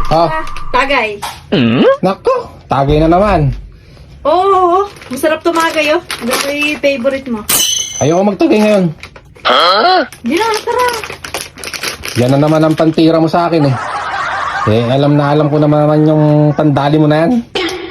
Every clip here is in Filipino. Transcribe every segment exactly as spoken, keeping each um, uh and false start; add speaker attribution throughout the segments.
Speaker 1: Oh,
Speaker 2: Tagay.
Speaker 1: nako, tagay na naman.
Speaker 2: Oo, oo. Masarap tumagay, oh. Ito yung favorite mo.
Speaker 1: Ayoko magtagay ngayon.
Speaker 2: Hindi na, tara.
Speaker 1: Yan na naman ang pantira mo sa akin eh. Eh, alam na alam ko naman naman yung tandali mo na yan.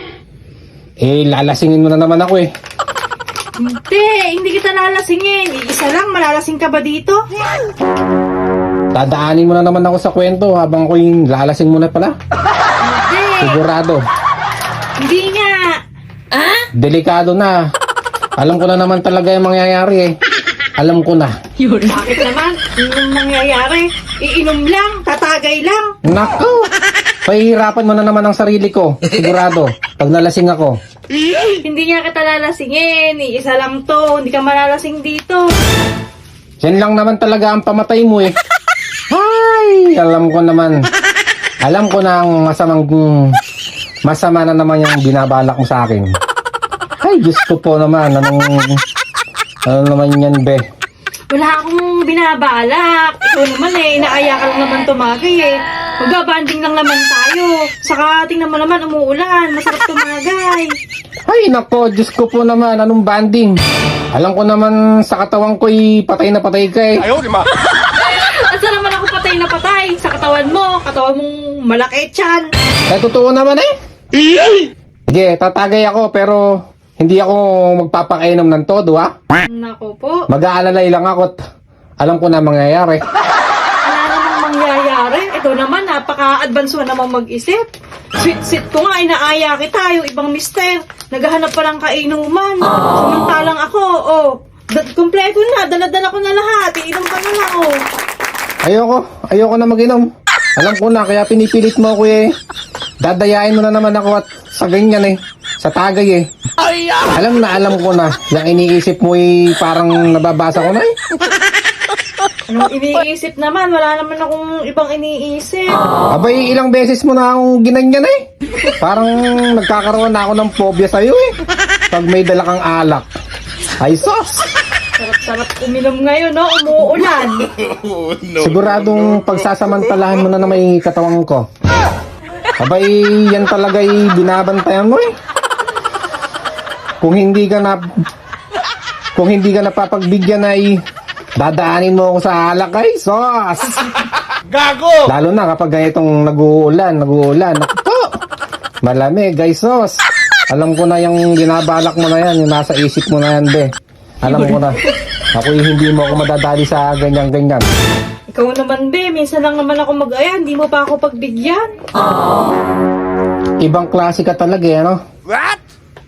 Speaker 1: Eh, lalasingin mo na naman ako eh.
Speaker 2: Hindi, hindi kita lalasingin. Isa lang, malalasing ka ba dito?
Speaker 1: Dadaanin mo na naman ako sa kwento habang ako yung lalasing mo na pala.
Speaker 2: Hindi.
Speaker 1: Sigurado.
Speaker 2: Hindi nga.
Speaker 1: Delikado na. Alam ko na naman talaga yung mangyayari eh. Alam ko na.
Speaker 2: Bakit naman? Yung nangyayari, iinom lang, tatagay lang.
Speaker 1: Nako! Pahihirapan mo na naman ang sarili ko. Sigurado. Pag nalasing ako.
Speaker 2: Hindi nga kita lalasingin. Isa lang to. Hindi ka malalasing dito.
Speaker 1: Yan lang naman talaga ang pamatay mo eh. Ay! Alam ko naman. Alam ko na ang masamang... Masama na naman yung binabalak mo sa akin. Ay, Diyos ko po naman. Anong... Ano naman yan, be?
Speaker 2: Wala akong binabalak. Ikaw naman eh, inaaya ka lang naman tumagay eh. Magbabanding lang naman tayo. Saka tingnan mo naman, umuulan. Masarap tumagay.
Speaker 1: Ay, nako, Diyos ko po naman. Anong banding? Alam ko naman sa katawan ko'y patay na patay ka eh.
Speaker 3: Ayaw, di ba?
Speaker 2: Asa naman ako patay na patay? Sa katawan mo. Katawan mong malaki tiyan.
Speaker 1: Eh, totoo naman eh. Sige, tatagay ako pero hindi ako magpapakainom ng todo ha.
Speaker 2: Nako po.
Speaker 1: Mag-aalalay lang ako at alam ko na mangyayari.
Speaker 2: Wala namang mangyayari. Ito naman, napaka-advance mo naman mag-isip. Sweet-sweet ko nga, inaaya kita. Yung ibang mister, naghahanap pa ng kainuman. Samantalang ako, oh, da- kumpleto na, dala-dala ko na lahat. Iinom ka na lang, oh.
Speaker 1: Ayoko, ayoko na mag-inom. Alam ko na, kaya pinipilit mo ako eh. Dadayain mo na naman ako at sa ganyan eh. Sa tagay eh. Alam na, alam ko na. Yung iniisip mo eh, parang nababasa ko na eh.
Speaker 2: Anong iniisip naman? Wala naman akong ibang iniisip.
Speaker 1: Abay, ilang beses mo na akong ginanyan eh. Parang nagkakaroon na ako ng phobia sa'yo eh. Pag may dala kang alak. Ay, sos!
Speaker 2: Sarap-sarap uminom ngayon, no? Umuulan.
Speaker 1: Siguradong pagsasamantalahan mo na na may katawang ko. Abay, yan talaga'y binabantayan mo eh. Kung hindi ka na... Kung hindi ka napapagbigyan ay... Dadaanin mo ako sa alak ay, sos!
Speaker 3: Gago!
Speaker 1: Lalo na kapag ganitong nag-uulan, nag-uulan. Naku, malamig, guys, sos. Alam ko na yung binabalak mo na yan, yung nasa isip mo na yan, be. Alam ko na. Ako hindi mo ako madadali sa ganyan-ganyan.
Speaker 2: Ikaw naman, be. Minsan lang naman ako mag-aya. Hindi mo pa ako pagbigyan.
Speaker 1: Ibang klase ka talaga, eh, ano?
Speaker 3: What?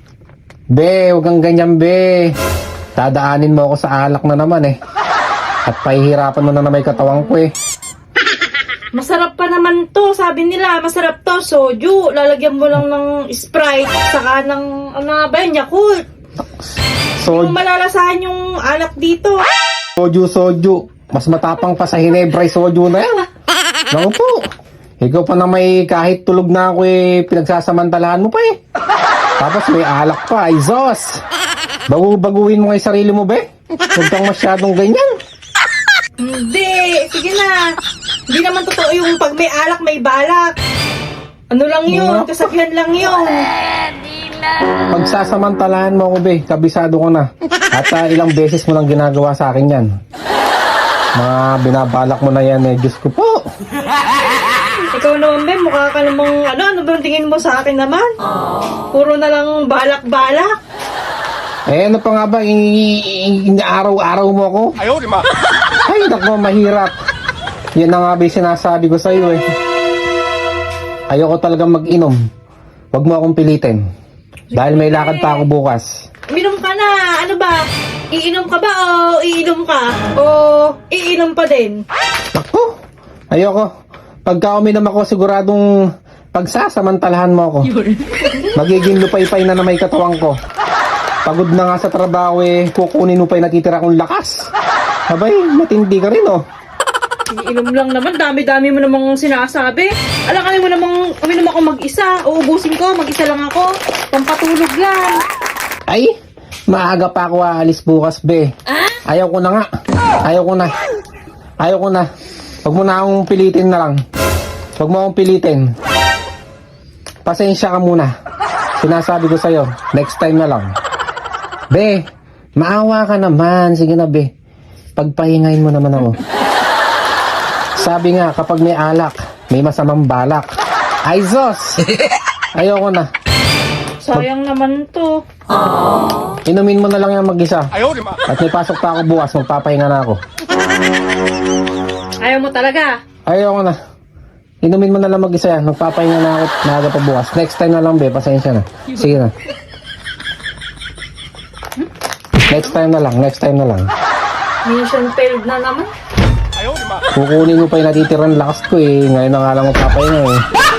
Speaker 1: Be, huwag kang ganyan, be. Dadaanin mo ako sa alak na naman, eh. At pahihirapan mo na na may katawang ko, eh.
Speaker 2: Masarap pa naman to. Sabi nila, masarap to. Soju. Lalagyan mo lang ng Sprite. Saka ng, ano nga ba yun, Yakult.
Speaker 1: So,
Speaker 2: Hindi mo malalasahan yung alak dito.
Speaker 1: soju, soju. Mas matapang pa sa Hinebra yung soju na yan. Naku po. Ikaw pa na may kahit tulog na ako eh, pinagsasamantalahan mo pa eh. Tapos may alak pa, ay Zos. Bagu-baguhin mo nga yung sarili mo, be. Huwag kang masyadong ganyan.
Speaker 2: Hindi. Sige na. Hindi naman totoo yung pag may alak, may balak. Ano lang yun? Kasabihan lang yun.
Speaker 1: Pagsasamantalahan mo ako, be. Kabisado ko na. At uh, ilang beses mo lang ginagawa sa akin yan. Mga binabalak mo na yan eh. Diyos ko po.
Speaker 2: Ikaw naman, be, mukha ka namang, ano, ano ba ang tingin mo sa akin naman? Puro na lang balak-balak.
Speaker 1: Eh, ano pa nga ba? Inaaraw-araw mo ako?
Speaker 3: Ayaw, di ba?
Speaker 1: Ay, naku, mahirap. Yan na nga ba yung sinasabi ko sa'yo eh. Ayoko talagang mag-inom. Huwag mo akong pilitin. Dahil may lakad pa ako bukas.
Speaker 2: Uminom ka na. Ano ba? Iinom ka ba o iinom ka? O iinom pa din?
Speaker 1: Naku, ayoko. Pagka uminom ako, siguradong pagsasamantalahan mo ako. Magiging lupay-pay na na may katawang ko. Pagod na nga sa trabaho eh, kukunin mo pa yung natitira kong lakas. Abay, matindi ka rin oh.
Speaker 2: Iinom lang naman. Dami-dami mo namang sinasabi. Alam kami mo namang uminom ako mag-isa. Uubusin ko, mag-isa lang ako. Pampatulog lang.
Speaker 1: Ay, maaga pa ako aalis bukas, be. Ayaw ko na nga. Ayaw ko na. Ayaw ko na. Huwag mo na akong pilitin na lang. Huwag mo akong pilitin. pasensya ka muna. Sinasabi ko sa'yo, next time na lang. Be, maawa ka naman. Sige na, be. Pagpahingayin mo naman ako. Sabi nga, kapag may alak, may masamang balak. Ay, Zos! Ayoko na.
Speaker 2: Sayang naman to.
Speaker 1: Inumin mo na lang yung mag-isa. At may pasok pa ako bukas, magpapahinga na ako.
Speaker 2: Ayaw mo talaga.
Speaker 1: Ayoko na. Inumin mo na lang mag-isa yan. Magpapahinga na ako na aga pa bukas. Next time na lang, be. Pasensya na. Sige na. Next time na lang. Next time na lang.
Speaker 2: Mission failed na naman.
Speaker 1: Kukunin mo pa yung natitirang lakas ko eh. Ngayon na nga lang magpapahinga eh.